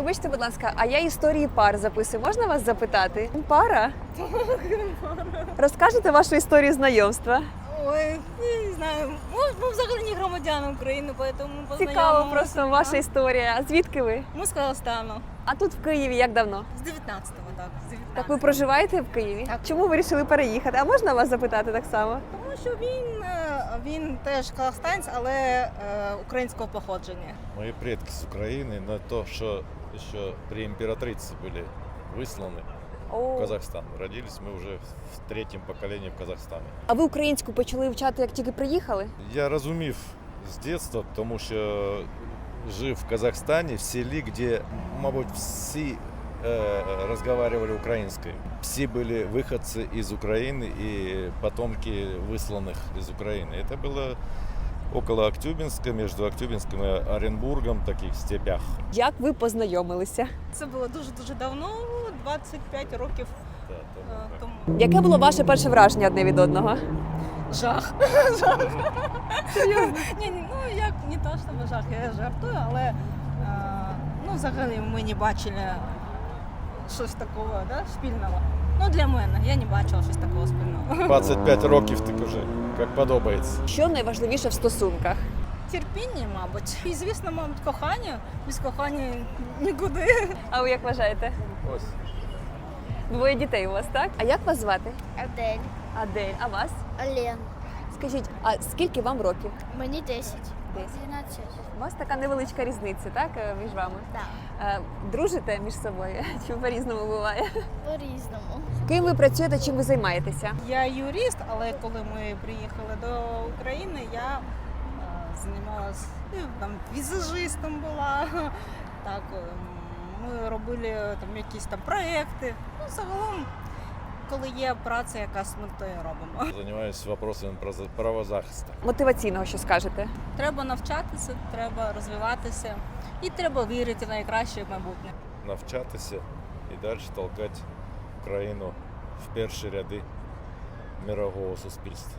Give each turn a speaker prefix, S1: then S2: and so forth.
S1: Вибачте, будь ласка, а я історії пар записую. Можна вас запитати? Пара? Розкажете вашу історію знайомства?
S2: Ой, не знаю. Ми взагалі не громадяни України, тому
S1: Цікаво просто ваша історія. А звідки ви?
S2: Ми з Казахстану.
S1: А тут в Києві як давно?
S2: З 19-го, так. З 19-го.
S1: Так ви проживаєте в Києві?
S2: Так.
S1: Чому ви вирішили переїхати? А можна вас запитати так само?
S2: Тому що він теж казахстанець, але українського походження.
S3: Мои предки с Украины, но то, что еще при императрице были высланы в Казахстан. Родились мы уже в третьем поколении в Казахстані.
S1: А ви українську почали вчати, як тільки приїхали?
S3: Я розумів з дитинства, тому що жив в Казахстані, в селі, де, мабуть, всі разговаривали українською. Всі були виходці із України і потомки висланих із України. Це було около Актюбинска, між Актюбинском і Оренбургом, таких степях.
S1: Як ви познайомилися?
S2: Це було дуже-дуже давно, 25 років тому.
S1: Яке було ваше перше враження одне від одного?
S2: Жах. Серйозно? Ні, ну як не то, що жах, я жартую, але взагалі ми не бачили щось такого, да, спільного. Ну, для мене, я не бачила щось такого спільного.
S3: 25 років так уже, як подобається.
S1: Що найважливіше в стосунках?
S2: Терпіння, мабуть. І, звісно, мабуть, кохання. Без кохання нікуди.
S1: А ви як вважаєте?
S3: Ось.
S1: Двоє дітей у вас, так? А як вас звати?
S4: Адель,
S1: Адель. А вас?
S4: Олен.
S1: Скажіть, а скільки вам років?
S4: Мені 10.
S1: 10.
S4: 12.
S1: У вас така невеличка різниця, так, між вами?
S4: Так.
S1: Дружите між собою? Чи по-різному буває?
S4: По-різному.
S1: Ким ви працюєте, чим ви займаєтеся?
S2: Я юрист, але коли ми приїхали до України, я займалася там візажистом була. Так, ми робили там якісь там проекти. Ну, загалом, коли є праця якась, ми то і робимо.
S3: Займаюся вопросами правозахисту.
S1: Мотиваційного, що скажете?
S2: Треба навчатися, треба розвиватися і треба вірити в найкраще майбутнє.
S3: Навчатися і далі толкати Україну в перші ряди мирового суспільства.